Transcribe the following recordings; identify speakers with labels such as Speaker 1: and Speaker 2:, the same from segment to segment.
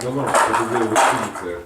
Speaker 1: узнавал, что ты делал в экспедициях.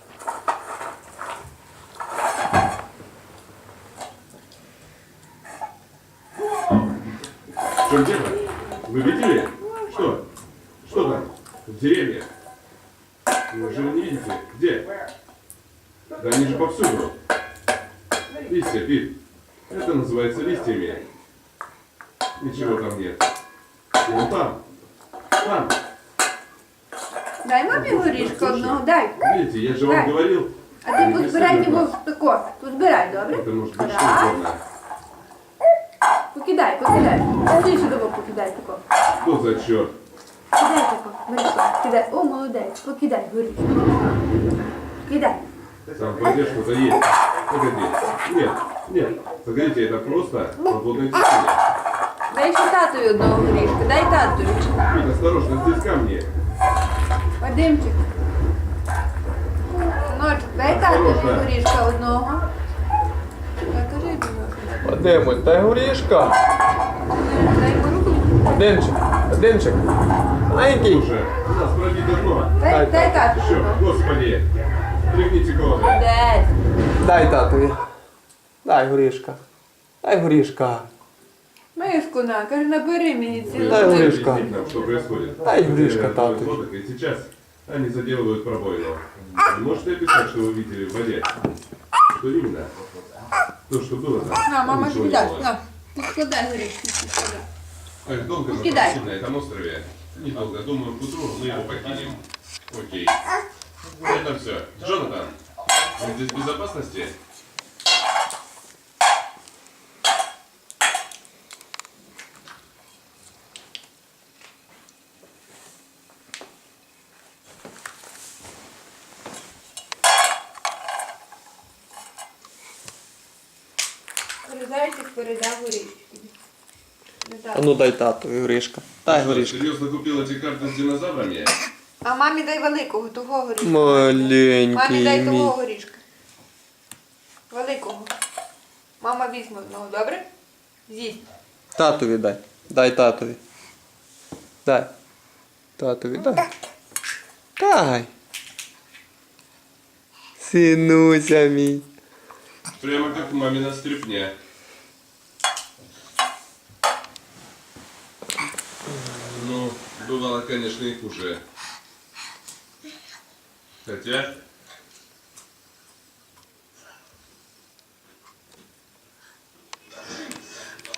Speaker 1: В чем дело? Вы видели? Что? Что там? В деревне? Неужели не видите? Где? Да они же повсюду. Листья, Пит. Это называется листьями. Ничего там нет. Вон там. Там.
Speaker 2: Дай мамі горішку одного, дай.
Speaker 1: Видите, я же вам говорил.
Speaker 2: А ти
Speaker 1: не
Speaker 2: позбирай
Speaker 1: преследуй
Speaker 2: його
Speaker 1: нас.
Speaker 2: тако. Позбирай, добре?
Speaker 1: Это может быть
Speaker 2: Раз.
Speaker 1: что угодно.
Speaker 2: Покидай, покидай. Більше того покидай тако.
Speaker 1: Что за черт?
Speaker 2: Кидай тако. Горішку. Кидай. О, молодець. Покидай горішку. Кидай.
Speaker 1: Там пойдешь, что-то есть. Погоди. Нет, нет. Погодите, это просто подводное течение.
Speaker 2: Дай ще татові одного горішку. Дай татові.
Speaker 1: Пит, осторожно, здесь камни.
Speaker 2: Вадимчик. Синочок, дай татові горішка одного. Так, кажи мені.
Speaker 3: Вадимось, дай горішка.
Speaker 2: Дай йому руку.
Speaker 3: Вадимчик. Маленький.
Speaker 1: Слушай, у нас пробито дно.
Speaker 2: Дай татові.
Speaker 1: Все, господи. Тряхните колоды.
Speaker 2: Десь.
Speaker 3: Дай татові. Дай горішка. Дай горішка.
Speaker 2: Мишку на, каже, набери мені цілу.
Speaker 3: Дай
Speaker 1: Вы
Speaker 3: горішка.
Speaker 1: объясните нам, что происходит.
Speaker 3: Дай горішка,
Speaker 1: Проверяют
Speaker 3: тату.
Speaker 1: лодок, и сейчас они заделывают пробоину. Вы можете описать, что вы видели в воде? Что именно? То, что было там?
Speaker 2: На, мама
Speaker 1: Ничего
Speaker 2: тобі
Speaker 1: не
Speaker 2: дасть.
Speaker 1: было.
Speaker 2: На, складай горішки. складай.
Speaker 1: Ах, долго мы
Speaker 2: Кидай.
Speaker 1: проводим на этом острове? Недолго. Думаю, к утру мы его покинем. Окей. Это все. Джонатан, вы здесь в безопасности?
Speaker 2: Зайчик передав горішки.
Speaker 3: А ну дай татові горішка. Дай
Speaker 1: Что,
Speaker 3: горішка.
Speaker 1: серьезно купил эти карты с динозаврами?
Speaker 2: А мамі дай великого, того горішка. Мамі
Speaker 3: Маленький
Speaker 2: дай того
Speaker 3: мій.
Speaker 2: горішка. Великого. Мама візьме одного, добре? З'їсть.
Speaker 3: Татові дай. Дай татові. Дай. Татові дай. Дай. Синуся мій.
Speaker 1: Прямо как мамина стряпня. Ну, бывало, конечно, и хуже. Хотя,